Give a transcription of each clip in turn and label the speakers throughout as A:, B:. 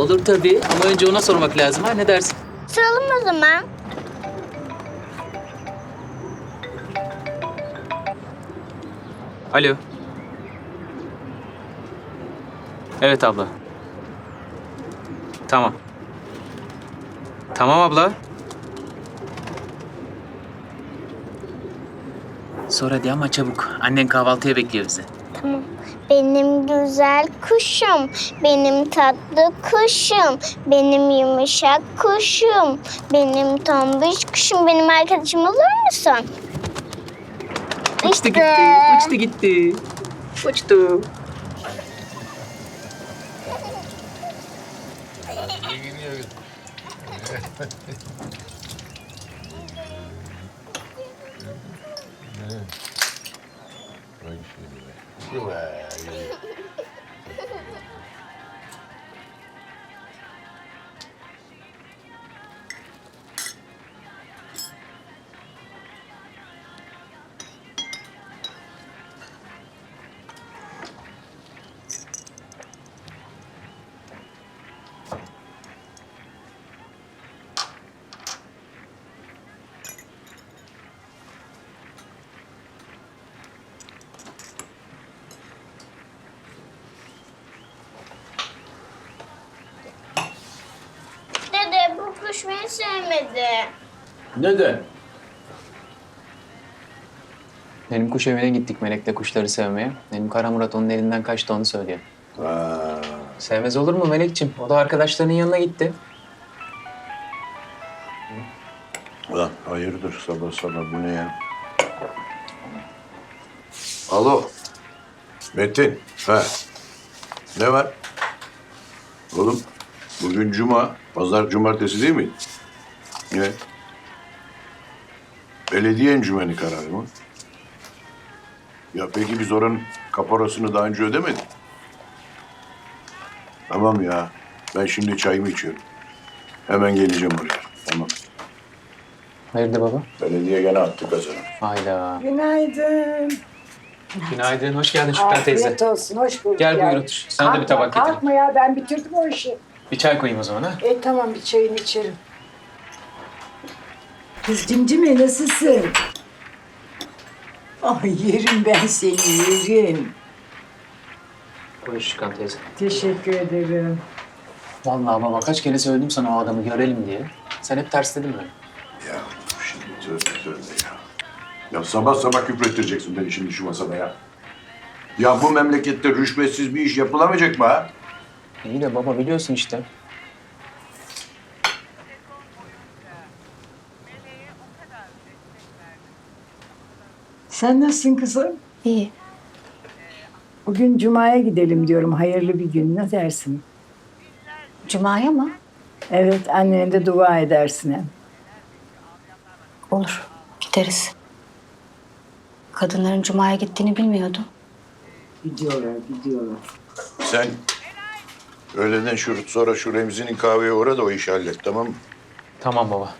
A: Olur tabii ama önce ona sormak lazım ha, ne dersin?
B: Soralım o zaman.
A: Alo. Evet abla. Tamam. Tamam abla. Sor hadi ama çabuk. Annen kahvaltıya bekliyor bizi.
B: Tamam. Benim güzel kuşum, benim tatlı kuşum, benim yumuşak kuşum, benim tombiş kuşum, benim arkadaşım olur musun?
A: Uçtu gitti, uçtu gitti. Uçtu.
B: Dede bu kuş beni sevmedi.
C: Neden?
A: Benim kuş evine gittik Melek'le kuşları sevmeye. Benim Kara Murat onun elinden kaçtı, onu söylüyor. Sevmez olur mu Melek'ciğim? O da arkadaşlarının yanına gitti.
C: Ulan hayırdır sabah sabah bu ne ya? Alo. Metin. Ha. Ne var? Oğlum bugün cuma. Pazar cumartesi değil mi? Ne? Belediye encümeni kararı mı? Ya peki biz oranın kaporasını daha önce ödemedik. Tamam ya. Ben şimdi çayımı içiyorum. Hemen geleceğim oraya. Tamam.
A: Hayırdır baba?
C: Belediye gene attı kazanı.
A: Hayda.
D: Günaydın.
A: Günaydın, hoş geldin Şükran teyze.
D: Afiyet olsun, hoş bulduk.
A: Gel
D: ya.
A: buyur otur. Sana da bir tabak getireyim.
D: Kalkma ya, ben bitirdim o işi.
A: Bir çay koyayım o zaman ha.
D: Tamam, bir çayını içerim. Kız Cimcime nasılsın? Ay yerim ben seni, yerim.
A: Buyur Şükran teyze.
D: Teşekkür ederim.
A: Vallahi baba kaç kere söyledim sana o adamı görelim diye. Sen hep tersledin mi?
C: Ya şimdi tövbe ya. Ya sabah sabah küfrettireceksin beni şimdi şu masada ya. Ya bu memlekette rüşvetsiz bir iş yapılamayacak mı ha?
A: İyi de baba biliyorsun işte.
D: Sen nasılsın kızım?
B: İyi.
D: Bugün Cuma'ya gidelim diyorum, hayırlı bir gün. Ne dersin?
E: Cuma'ya mı?
D: Evet, annene de dua edersin hem.
E: Olur, gideriz. Kadınların Cuma'ya gittiğini bilmiyordum.
D: Gidiyorlar, gidiyorlar.
C: Sen öğleden sonra şu Remzi'nin kahveye uğra da o işi hallet, tamam mı?
A: Tamam baba.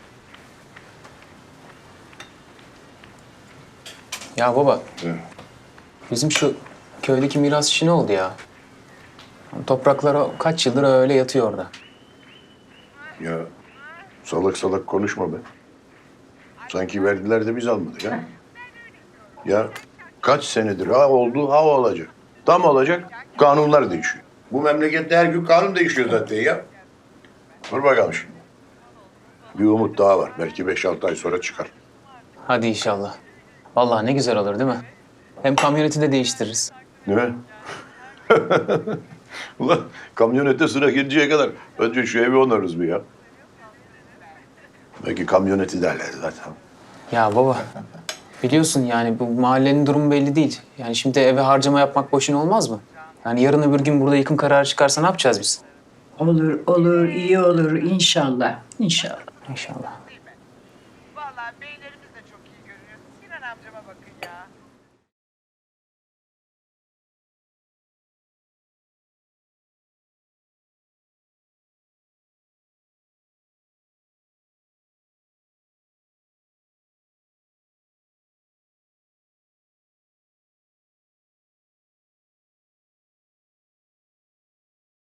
A: Ya baba,
C: Hı.
A: bizim şu köydeki miras işi ne oldu ya? Topraklar kaç yıldır öyle yatıyor orada.
C: Ya salak salak konuşma be. Sanki verdiler de biz almadık ha. Ya kaç senedir ha oldu ha olacak. Tam olacak kanunlar değişiyor. Bu memlekette her gün kanun değişiyor zaten ya. Dur bakalım şimdi. Bir umut daha var. Belki 5-6 ay sonra çıkar.
A: Hadi inşallah. Vallahi ne güzel olur değil mi? Hem kamyoneti de değiştiririz.
C: Değil mi? Ulan kamyonete sıra gelinceye kadar önce şu evi onarız bir ya. Belki kamyoneti derler zaten.
A: Ya baba, biliyorsun yani bu mahallenin durumu belli değil. Yani şimdi eve harcama yapmak boşuna olmaz mı? Yani yarın öbür gün burada yıkım kararı çıkarsa ne yapacağız biz?
D: Olur, olur, iyi olur inşallah. İnşallah.
A: İnşallah.